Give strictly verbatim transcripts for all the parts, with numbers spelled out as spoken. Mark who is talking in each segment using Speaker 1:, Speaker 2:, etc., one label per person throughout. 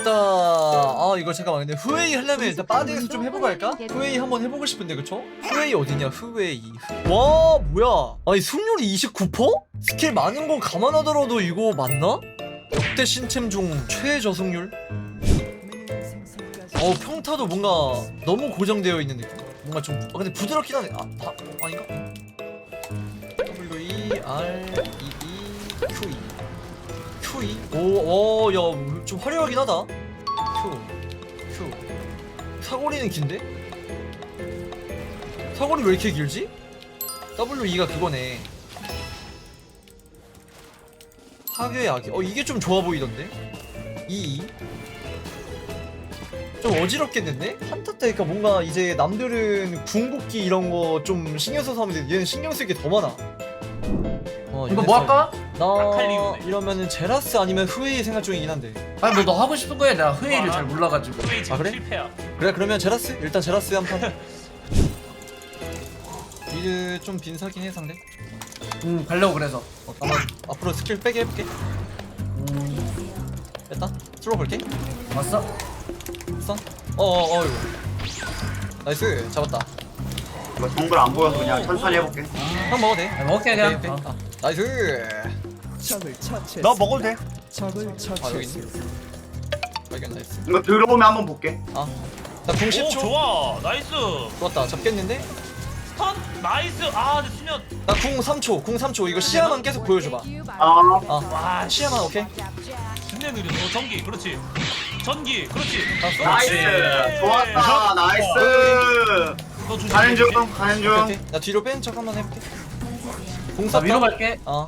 Speaker 1: 일단 아 이거 잠깐만, 근데 후웨이 하려면 일단 바디에서 좀 해보고 할까? 후웨이 한번 해보고 싶은데 그쵸? 후웨이 어디냐 후웨이. 와 뭐야, 아니 승률이 이십구 퍼센트? 스킬 많은 거 감안하더라도 이거 맞나? 역대 신챔 중 최저승률? 어 평타도 뭔가 너무 고정되어 있는 느낌. 뭔가 좀 아, 근데 부드럽긴 하네. 아, 아 아닌가? W E R E E Q E Q E 오, 오, 야, 좀 화려하긴 하다. Q Q 사거리는 긴데? 사거리 왜 이렇게 길지? W E가 그거네. 하괴 악이. 어 이게 좀 좋아 보이던데? E E 좀 어지럽겠는데? 한타 때니까 뭔가 이제 남들은 궁극기 이런 거 좀 신경 써서 하면 돼. 얘는 신경 쓸 게 더 많아. 어,
Speaker 2: 이거 뭐 할까?
Speaker 1: 나
Speaker 3: 아칼리우네.
Speaker 1: 이러면은 제라스 아니면 후웨이 생각 중이긴 한데.
Speaker 2: 아니 뭐 너 하고 싶은 거야? 내가 회의를 잘 몰라가지고.
Speaker 3: 후웨이 지금
Speaker 1: 아, 그래?
Speaker 3: 실패야.
Speaker 1: 그래 그러면 제라스? 일단 제라스 한 판. 미드 좀 빈사긴 해 상대.
Speaker 2: 응 가려고 그래서.
Speaker 1: 어, 아마 앞으로 스킬 빼게 해볼게.
Speaker 2: 음
Speaker 1: 뺐다. 슬로우 볼게.
Speaker 2: 왔어?
Speaker 1: 선. 어어 어 이거. 나이스 잡았다.
Speaker 4: 이거 정글 안 보여서 그냥 천천히 해볼게.
Speaker 1: 형 먹어도 돼.
Speaker 2: 아, 먹을게 그냥.
Speaker 1: 오케이, 오케이.
Speaker 2: 어.
Speaker 1: 아, 나이스.
Speaker 4: 너 먹어도 돼.
Speaker 1: 아 여기 있네. 발견 나이스.
Speaker 4: 이거 들어오면 한번 볼게.
Speaker 1: 아. 나궁
Speaker 3: 오
Speaker 1: 십 초.
Speaker 3: 좋아 나이스.
Speaker 1: 좋았다. 잡겠는데?
Speaker 3: 스턴 나이스. 아 근데 수면.
Speaker 1: 나궁 삼 초. 궁 삼 초. 이거 시야만 계속 보여줘봐.
Speaker 4: 아,
Speaker 1: 아.
Speaker 3: 와
Speaker 1: 시야만 오케이.
Speaker 3: 진짜 느려. 어 전기 그렇지. 전기 그렇지.
Speaker 1: 알았어?
Speaker 4: 나이스.
Speaker 3: 그렇지.
Speaker 4: 좋았다. 나이스.
Speaker 3: 너 조심.
Speaker 4: 가는 중, 가는 중.
Speaker 1: 오케이. 나 뒤로 뺀 척 한번 해볼게. 궁
Speaker 2: 나
Speaker 1: 쐈다.
Speaker 2: 위로 갈게.
Speaker 1: 어.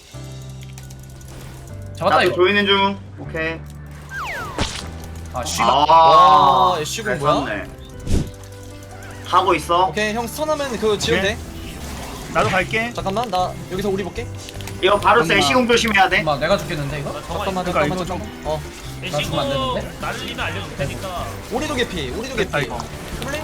Speaker 2: 잡았다
Speaker 4: 나도
Speaker 2: 이거.
Speaker 4: 조이는 중. 오케이.
Speaker 2: 아 씨발.
Speaker 4: 아,
Speaker 1: 와, 애쉬군
Speaker 4: 잘
Speaker 1: 뭐야?
Speaker 4: 쐈네. 하고 있어.
Speaker 1: 오케이 형 스턴하면 그거 지면 돼.
Speaker 5: 나도 갈게.
Speaker 1: 잠깐만 나 여기서 우리 볼게.
Speaker 4: 이거 바로
Speaker 5: 잠깐만.
Speaker 4: 세시공 조심해야 돼.
Speaker 2: 엄마 내가 죽겠는데 이거?
Speaker 1: 잠깐만
Speaker 5: 그러니까
Speaker 1: 잠깐만
Speaker 5: 이거
Speaker 1: 잠깐만. 어
Speaker 2: 나 죽으면 안
Speaker 3: 애쉬고
Speaker 2: 되는데?
Speaker 3: 날리면 알려줄 테니까.
Speaker 1: 우리도 개피. 우리도
Speaker 5: 됐다,
Speaker 1: 개피.
Speaker 5: 이거.
Speaker 1: 플레이?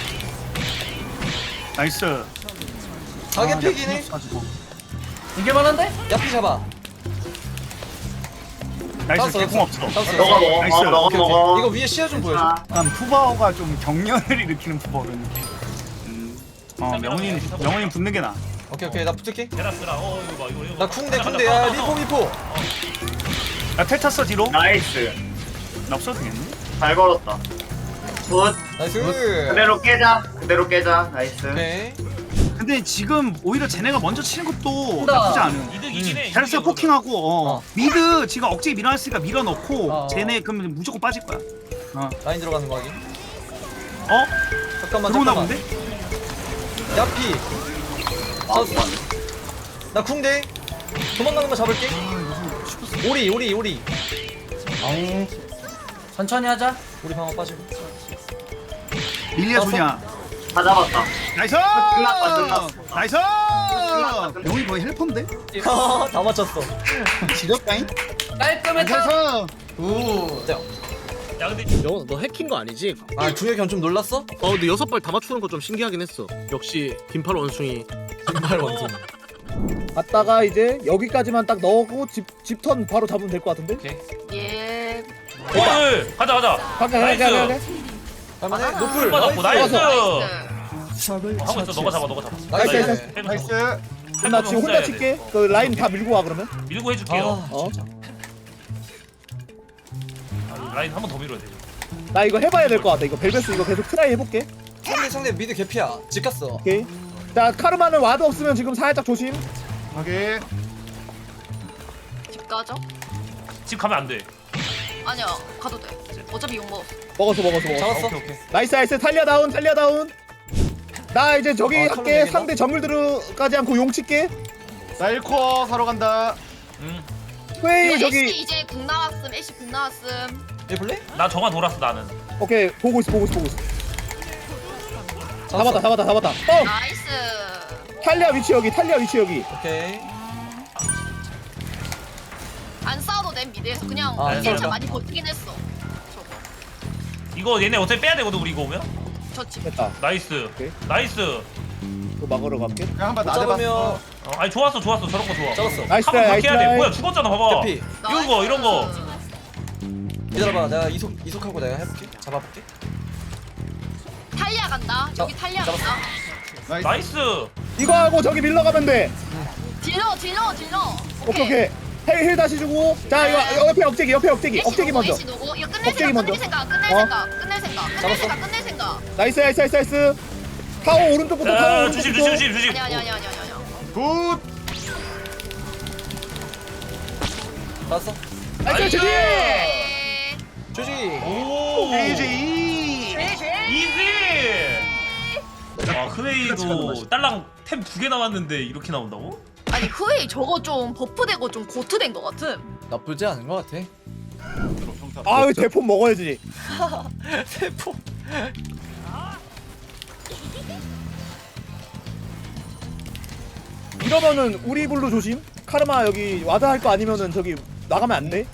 Speaker 5: 나이스.
Speaker 1: 가개피긴 해.
Speaker 5: 가지고.
Speaker 2: 이게 많은데?
Speaker 1: 야피 잡아.
Speaker 5: 나이스.
Speaker 1: 땄어,
Speaker 5: 개공 없어.
Speaker 1: 땄어.
Speaker 4: 너가 먹어.
Speaker 5: 나이스.
Speaker 4: 어, 너가
Speaker 1: 오케이, 오케이.
Speaker 4: 먹어.
Speaker 1: 이거 위에 시야 좀 보여줘.
Speaker 4: 아,
Speaker 5: 약간 푸바오가 좀 경련을 일으키는 푸바오는. 음. 어 명훈이 명훈이 붙는 게 나.
Speaker 1: 오케이 오케이 나 붙을게.
Speaker 3: 제라스라. 어 이거 봐 이거 이거.
Speaker 1: 나 쿵대 쿵대. 야 리포 리포.
Speaker 5: 나텔 탔어 뒤로.
Speaker 4: 나이스.
Speaker 5: 나 없어도 되겠네.
Speaker 4: 잘 걸었다. 굿.
Speaker 1: 나이스.
Speaker 4: 그대로 깨자. 그대로 깨자. 나이스.
Speaker 1: 오케이.
Speaker 5: 근데 지금 오히려 쟤네가 먼저 치는 것도
Speaker 2: 한다.
Speaker 5: 나쁘지 않은.
Speaker 3: 이득 이기네.
Speaker 5: 잘했어
Speaker 3: 이득이야,
Speaker 5: 포킹하고 어.
Speaker 1: 어.
Speaker 5: 미드 지금 억지 밀어놨으니까 밀어넣고
Speaker 2: 어.
Speaker 5: 쟤네 그러면 무조건 빠질 거야. 어.
Speaker 1: 라인 들어가는 거 하기.
Speaker 5: 어?
Speaker 1: 잠깐만
Speaker 5: 들어오나
Speaker 1: 잠깐만.
Speaker 5: 본데?
Speaker 1: 야피.
Speaker 4: 아,
Speaker 1: 나 쿵대. 도망가는 거 잡을게. 오리 오리 오리.
Speaker 2: 엉. 천천히 하자.
Speaker 1: 우리 방어 빠지고.
Speaker 5: 밀리아
Speaker 1: 땄어?
Speaker 5: 소냐.
Speaker 4: 다 잡았다.
Speaker 5: 나이스!
Speaker 4: 끝났다, 끝났어.
Speaker 5: 나이스!
Speaker 4: 끝났다.
Speaker 5: 명훈이 거의 헬퍼인데?
Speaker 1: 다 맞췄어.
Speaker 5: 지렸다잉?
Speaker 2: 깔끔했다.
Speaker 5: 나이스!
Speaker 1: 우. 자.
Speaker 3: 야 근데
Speaker 6: 너, 너 해킹 거 아니지?
Speaker 1: 아 중혁이 형 좀 놀랐어?
Speaker 6: 어 근데 여섯 발 다 맞추는 거 좀 신기하긴 했어. 역시 긴팔 원숭이.
Speaker 1: 정말 원숭이.
Speaker 7: 갔다가 이제 여기까지만 딱 넣고 집 집턴 바로 잡으면 될 것 같은데?
Speaker 8: 예.
Speaker 3: 어, 가자 가자.
Speaker 7: 가자 가자 가자 가자.
Speaker 1: 할만해. 노플.
Speaker 3: 맞았고 나이스.
Speaker 8: 나이스.
Speaker 3: 어, 하고 있어. 너가 잡아 너가 잡아.
Speaker 1: 나이스.
Speaker 7: 나이스,
Speaker 3: 해줘,
Speaker 5: 나이스!
Speaker 3: 해줘.
Speaker 7: 나 지금 혼자
Speaker 3: 해야 돼.
Speaker 7: 칠게. 그 라인 다 밀고 와 그러면.
Speaker 3: 밀고 해줄게요.
Speaker 1: 아,
Speaker 7: 어?
Speaker 3: 라인 한 번 더 밀어야 돼.
Speaker 7: 나 이거 해봐야 될 것 같아. 이거 벨베스 이거 계속 트라이 해볼게.
Speaker 1: 상대 상대 미드 개피야. 집 갔어.
Speaker 7: 오케이. 자 카르마는 와드 없으면 지금 살짝 조심.
Speaker 5: 오케이.
Speaker 8: 집 가죠?
Speaker 3: 집 가면 안 돼.
Speaker 8: 아니야, 가도 돼. 어차피 욕 먹었어.
Speaker 7: 먹었어 먹었어 먹었어.
Speaker 1: 잡았어.
Speaker 3: 오케이 오케이.
Speaker 7: 나이스 나이스 탈리아 다운 탈리아 다운. 나 이제 저기
Speaker 1: 아,
Speaker 7: 할게.
Speaker 1: 컬러
Speaker 7: 상대 정글들까지 않고 용 칠게.
Speaker 5: 나 일 코어 사러 간다.
Speaker 3: 응.
Speaker 7: 회의
Speaker 8: 이거 애쉬
Speaker 7: 저기.
Speaker 8: 이제 궁 나왔음. 애쉬 궁 나왔음.
Speaker 1: 얘 볼래?
Speaker 3: 나 정화 돌았어 나는.
Speaker 7: 오케이 보고 있어 보고 있어 보고 있어. 잡았다 잡았다 잡았다. 뻥.
Speaker 8: 나이스.
Speaker 7: 탈리아 위치 여기 탈리아 위치 여기.
Speaker 1: 오케이.
Speaker 8: 안 싸워도 됨 미드에서 그냥
Speaker 1: 아,
Speaker 8: 아,
Speaker 1: 괜찮아.
Speaker 8: 많이 버티긴 했어. 저거.
Speaker 3: 이거 얘네 어차피 빼야 되거든 우리 이거 오면.
Speaker 8: 저 집.
Speaker 7: 됐다.
Speaker 3: 나이스.
Speaker 7: 오케이.
Speaker 3: 나이스.
Speaker 7: 이거 막으러 갈게.
Speaker 5: 그냥 한번
Speaker 1: 못 잡으면
Speaker 3: 어, 아니 좋았어 좋았어 저런 거 좋아.
Speaker 1: 잡았어.
Speaker 7: 나이스
Speaker 3: 한번
Speaker 7: 트라이
Speaker 3: 더
Speaker 7: 나이스
Speaker 3: 해야 돼.
Speaker 7: 트라이.
Speaker 3: 뭐야 죽었잖아 봐봐.
Speaker 1: 개피.
Speaker 3: 이런 거 이런 거.
Speaker 1: 기다려봐. 내가 이속 이속하고 내가 해볼게. 잡아볼게.
Speaker 8: 탈리아 간다. 여기
Speaker 1: 자,
Speaker 8: 탈리아
Speaker 1: 잡았어.
Speaker 8: 간다.
Speaker 3: 나이스.
Speaker 7: 이거 하고 저기 밀러 가면 돼.
Speaker 8: 딜러 딜러 딜러.
Speaker 7: 오케이 오케이. 힐, 힐 다시 주고. 자 이거 옆에 억제기 옆에 억제기 억제기 먼저.
Speaker 8: 애쉬 누구? 이거 끝낼
Speaker 7: 억제기
Speaker 8: 생각,
Speaker 7: 먼저.
Speaker 8: 끝낼 생각, 끝낼
Speaker 7: 어?
Speaker 8: 생각, 끝낼 생각, 끝낼
Speaker 1: 잡았어.
Speaker 8: 생각, 끝낼 생각.
Speaker 7: 나이스 나이스 나이스 나이스. 타워 오른쪽부터 타워
Speaker 3: 자,
Speaker 7: 오른쪽부터.
Speaker 3: 조심 조심 조심 조심.
Speaker 8: 아니 아니 아니 아니 아니 아니.
Speaker 4: 굿.
Speaker 1: 봤어?
Speaker 7: 나이스 주지.
Speaker 8: 네.
Speaker 1: 조지.
Speaker 3: 오.
Speaker 4: 이지.
Speaker 3: 이지. 아 흐웨이도 딸랑 템 두 개 남았는데 이렇게 나온다고?
Speaker 8: 아니 흐웨이 저거 좀 버프되고 좀 고트된 것 같음.
Speaker 1: 나쁘지 않은 것 같아.
Speaker 7: 아유 대포 먹어야지.
Speaker 1: 세포.
Speaker 7: 이러면은 우리 블루 조심. 카르마 여기 와드 할 거 아니면은 저기 나가면 안 돼.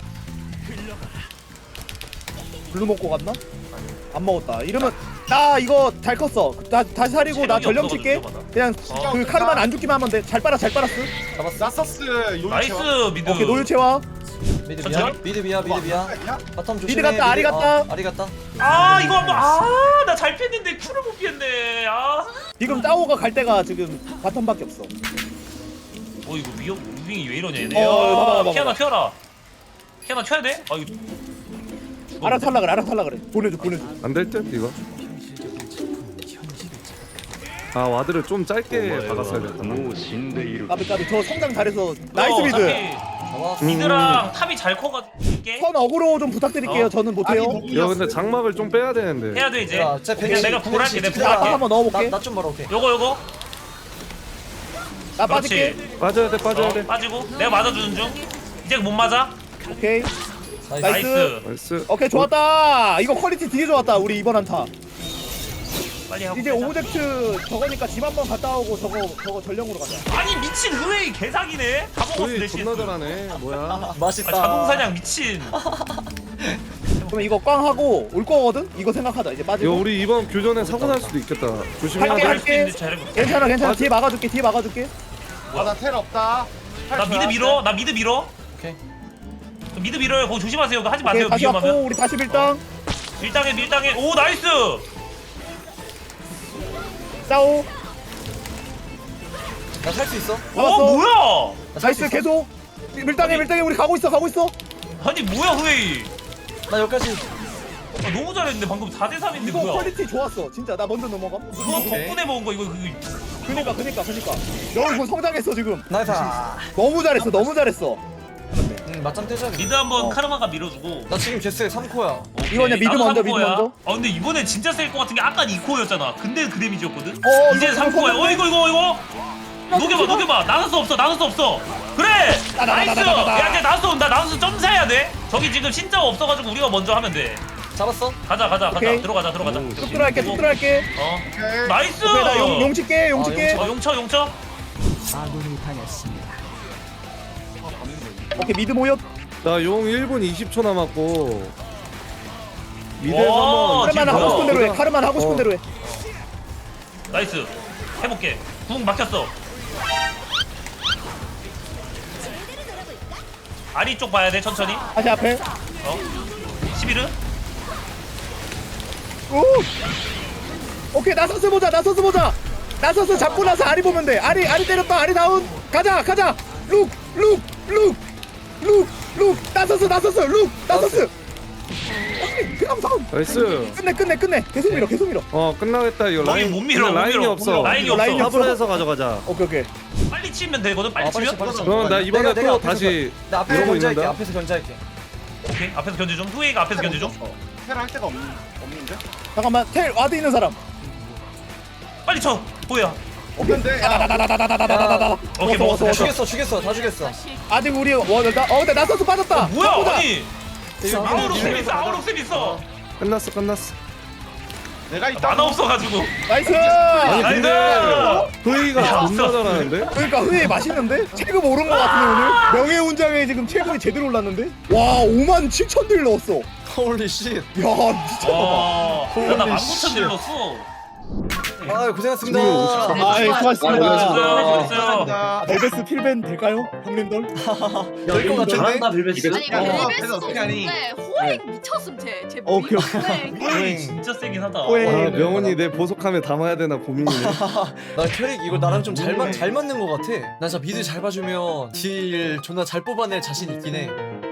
Speaker 7: 블루 먹고 갔나? 안 먹었다. 이러면 나 이거 잘 컸어. 나 다시 사리고 나
Speaker 3: 체력이
Speaker 7: 전령
Speaker 3: 없어가지고
Speaker 7: 칠게.
Speaker 3: 위험하다.
Speaker 7: 그냥
Speaker 3: 어.
Speaker 7: 그 카르마는 안 죽기만 하면 돼. 잘 빨아 잘 빨았어.
Speaker 1: 잡았어.
Speaker 4: 나서스 요리
Speaker 3: 나이스 미드.
Speaker 7: 오케이 노유 채화.
Speaker 1: 미드 미야.
Speaker 3: 천천히?
Speaker 1: 미드 미야. 미드 미야. 바텀 조심해.
Speaker 7: 미드 갔다, 아리 갔다.
Speaker 1: 어, 아리 갔다.
Speaker 3: 아 이거 한번 아나 잘 피했는데 쿨을 못 피했네. 아.
Speaker 7: 지금 따오가 갈 데가 지금 바텀밖에 없어.
Speaker 3: 어 이거 위험 무빙이 왜 이러냐 얘네.
Speaker 7: 어, 봐봐, 봐봐,
Speaker 3: 피아나
Speaker 7: 봐봐.
Speaker 3: 튀어라. 피아나 튀어야 돼? 아 이거.
Speaker 7: 알아서 하려 그래. 알아서 하려 그래. 보내줘 보내줘.
Speaker 6: 안 될 듯 이거. 아 와드를 좀 짧게 박았어야겠다.
Speaker 7: 까비 까비 저 성장 잘해서 나이스
Speaker 3: 어,
Speaker 7: 미드.
Speaker 3: 어차피
Speaker 1: 잡았어.
Speaker 3: 미드랑 탑이 잘 커가지고 이게
Speaker 7: 선 어그로 좀 부탁드릴게요.
Speaker 3: 어.
Speaker 7: 저는 못해요.
Speaker 6: 야 근데 장막을 좀 빼야 되는데.
Speaker 3: 해야 돼 이제.
Speaker 1: 야, 쟤
Speaker 3: 그냥
Speaker 1: 백십,
Speaker 3: 내가 볼할게 내가
Speaker 1: 백십
Speaker 7: 나
Speaker 3: 볼할게.
Speaker 7: 한번 넣어볼게.
Speaker 1: 나좀 벌어. 오케이.
Speaker 3: 요거 요거.
Speaker 7: 나 빠질게.
Speaker 3: 그렇지.
Speaker 6: 빠져야 돼 빠져야
Speaker 3: 어,
Speaker 6: 돼.
Speaker 3: 빠지고 내가 맞아주는 중. 이제 못 맞아.
Speaker 7: 오케이.
Speaker 1: 나이스.
Speaker 7: 나이스.
Speaker 3: 나이스.
Speaker 6: 나이스.
Speaker 7: 오케이 좋았다. 이거 퀄리티 되게 좋았다. 우리 이번 한타.
Speaker 3: 빨리 하고.
Speaker 7: 이제
Speaker 3: 빼자.
Speaker 7: 오브젝트 저거니까 집 한번 갔다 오고 저거 저거 전령으로 가자.
Speaker 3: 아니 미친 흐웨이 개사기네. 다 먹었어
Speaker 6: 거의
Speaker 3: 대신.
Speaker 6: 존나 잘하네. 뭐야?
Speaker 3: 아,
Speaker 1: 맛있다.
Speaker 3: 자동사냥 미친.
Speaker 7: 그럼 이거 꽝 하고 올 거거든. 이거 생각하자. 이제
Speaker 6: 이거
Speaker 7: 빠지고.
Speaker 6: 우리 이번 교전에 사고 날 수도 있겠다. 조심해야
Speaker 7: 할게,
Speaker 6: 돼.
Speaker 3: 할수
Speaker 7: 할게.
Speaker 3: 있는데 잘해볼게.
Speaker 7: 괜찮아 괜찮아.
Speaker 6: 맞아.
Speaker 7: 뒤에 막아줄게. 뒤에 막아줄게.
Speaker 4: 아나 텔 없다.
Speaker 3: 나 미드 밀어. 나 미드 밀어.
Speaker 1: 오케이.
Speaker 3: 미드 밀어요. 거기 조심하세요. 그거 하지
Speaker 7: 오케이
Speaker 3: 마세요.
Speaker 7: 다시
Speaker 3: 위험하면.
Speaker 7: 왔고 우리 다시 밀당.
Speaker 3: 밀당해 밀당해. 오 나이스.
Speaker 7: 싸우.
Speaker 1: 나 살 수 있어.
Speaker 3: 오
Speaker 7: 잡았어.
Speaker 3: 뭐야?
Speaker 7: 나이스 계속. 밀당해 밀당해 우리 가고 있어 가고 있어.
Speaker 3: 아니 뭐야 흐웨이.
Speaker 1: 나 여기까지.
Speaker 3: 아, 너무 잘했는데 방금 사 대 삼인데
Speaker 7: 이거
Speaker 3: 뭐야?
Speaker 7: 퀄리티 좋았어. 진짜 나 먼저 넘어가.
Speaker 3: 그거 덕분에 먹은 거 이거 그
Speaker 7: 그니까 그니까 그니까. 여기 성장했어 지금.
Speaker 1: 나이스.
Speaker 7: 너무 잘했어 너무 잘했어.
Speaker 1: 응 맞짱 떼줘야겠다.
Speaker 3: 미드 한번
Speaker 7: 어.
Speaker 3: 카르마가 밀어주고.
Speaker 1: 나 지금 제스에 삼 코야.
Speaker 3: 오케이.
Speaker 7: 이거 그냥 미드
Speaker 3: 나도
Speaker 7: 먼저,
Speaker 3: 삼 코야.
Speaker 7: 미드 먼저.
Speaker 3: 아 근데 이번에 진짜 셀 것 같은 게 아까 이 코였잖아. 근데 그 데미지였거든.
Speaker 7: 어,
Speaker 3: 이제
Speaker 7: 이거
Speaker 3: 삼 코야.
Speaker 7: 이거
Speaker 3: 어 이거 이거 이거. 녹여봐 녹여봐. 나눌 수 없어 나눌 수 없어. 그래. 나이스. 야 이제 나눌 수 온다. 나눌 수 점사해야 돼. 저기 지금 신짜가 없어가지고 우리가 먼저 하면 돼.
Speaker 1: 잡았어.
Speaker 3: 가자 가자 가자.
Speaker 7: 오케이.
Speaker 3: 들어가자 들어가자.
Speaker 7: 쭉 들어갈게 쭉 들어갈게.
Speaker 3: 어.
Speaker 4: 오케이.
Speaker 3: 나이스.
Speaker 7: 오케이 나용 용 칠게 용
Speaker 1: 아,
Speaker 7: 칠게.
Speaker 1: 용
Speaker 3: 어 용쳐 용쳐.
Speaker 7: 오케이 미드 모였.
Speaker 6: 나용 일 분 이십 초 남았고. 미드에서
Speaker 3: 와,
Speaker 6: 한번.
Speaker 7: 카르만 하고 싶은
Speaker 6: 어,
Speaker 7: 대로 해. 카르만 하고 싶은
Speaker 6: 어.
Speaker 7: 대로 해.
Speaker 3: 나이스. 해볼게. 궁 막혔어. 아리 쪽 봐야 돼 천천히.
Speaker 7: 다시 앞에.
Speaker 3: 어. 십일은?
Speaker 7: 오. 오케이 나서스 보자 나서스 보자. 나서스 잡고 나서 아리 보면 돼. 아리 아리 때렸다. 아리 다운. 가자 가자. 룩 룩 룩 룩 룩. 나서스 나서스 룩 나서스. 오케이 그다음 선.
Speaker 6: 나이스.
Speaker 7: 끝내 끝내 끝내. 계속 밀어 계속 밀어.
Speaker 6: 어 끝나겠다 이거
Speaker 3: 거기
Speaker 6: 라인.
Speaker 3: 못 밀어,
Speaker 6: 근데
Speaker 3: 못
Speaker 6: 라인이
Speaker 3: 밀어.
Speaker 6: 없어.
Speaker 3: 라인이
Speaker 7: 없어. 라인이 없어.
Speaker 6: 합을 해서 가져가자.
Speaker 7: 오케이 오케이.
Speaker 3: 빨리 치면 되거든. 빨리
Speaker 1: 아 빨리
Speaker 3: 치면.
Speaker 1: 쳐 빨리 쳐.
Speaker 6: 그럼 나 이번에
Speaker 1: 내가, 내가
Speaker 6: 또
Speaker 1: 앞에서
Speaker 6: 다시
Speaker 1: 견- 나 앞에서
Speaker 6: 이러고
Speaker 1: 견제할게.
Speaker 6: 있는다.
Speaker 1: 앞에서 견제할게.
Speaker 3: 오케이. 앞에서 견제 좀. 후웨이가 앞에서 견제 좀.
Speaker 4: 텔할 데가 없, 없는데?
Speaker 7: 잠깐만 텔 와드 있는 사람.
Speaker 3: 빨리 쳐. 뭐야?
Speaker 4: 없는데? 야,
Speaker 7: 다다다다다다다다다다.
Speaker 3: 오케이,
Speaker 7: 먹었어,
Speaker 3: 먹었어.
Speaker 1: 야,
Speaker 7: 먹었어.
Speaker 1: 죽였어 죽였어 다 죽였어.
Speaker 7: 아직 우리 원다. 어 근데 나서스 빠졌다.
Speaker 3: 뭐야?
Speaker 7: 바꾸자.
Speaker 3: 아니. 아우록쌤 있어. 아우록쌤 있어.
Speaker 6: 끝났어 끝났어.
Speaker 4: 내가 있다.
Speaker 3: 만화 없어가지고.
Speaker 7: 나이스.
Speaker 6: 아니
Speaker 3: 나이스!
Speaker 6: 근데 후이가
Speaker 3: 야,
Speaker 6: 존나
Speaker 3: 없어.
Speaker 6: 잘하는데?
Speaker 7: 그러니까 후회 맛있는데? 체급 오른 거 같은데 오늘? 명예훈장에 지금 체급이 제대로 올랐는데? 와 오만 칠천 딜 넣었어. 야
Speaker 1: 홀리 씨.
Speaker 7: 미쳤나봐.
Speaker 3: 와. 야, 나
Speaker 1: 홀리
Speaker 3: 만 구천
Speaker 1: 씨.
Speaker 3: 딜 넣었어.
Speaker 1: 아 고생하셨습니다.
Speaker 7: 아, 예, 수고하셨습니다.
Speaker 3: 수고하셨어요.
Speaker 4: 자,
Speaker 7: 벨베스 필벤 될까요, 형님들?
Speaker 1: 될 것 같은데?
Speaker 2: 잘한다 빌베스.
Speaker 8: 아니
Speaker 4: 야, 너가
Speaker 8: 벨베스도
Speaker 4: 그래서 어떻게 하니?
Speaker 8: 좋은데 호행 미쳤음 쟤. 쟤
Speaker 7: 어,
Speaker 8: 보이?
Speaker 7: 오케이,
Speaker 8: 호행.
Speaker 3: 호행이 진짜 세긴 하다.
Speaker 7: 호행.
Speaker 6: 아 명훈이 내 보석함에 담아야 되나 고민이네.
Speaker 1: 나 캐릭 이거 나랑 좀 잘 맞 잘 맞는 것 같아. 난 진짜 미드 잘 봐주면 딜 존나 잘 뽑아낼 자신 있긴 해.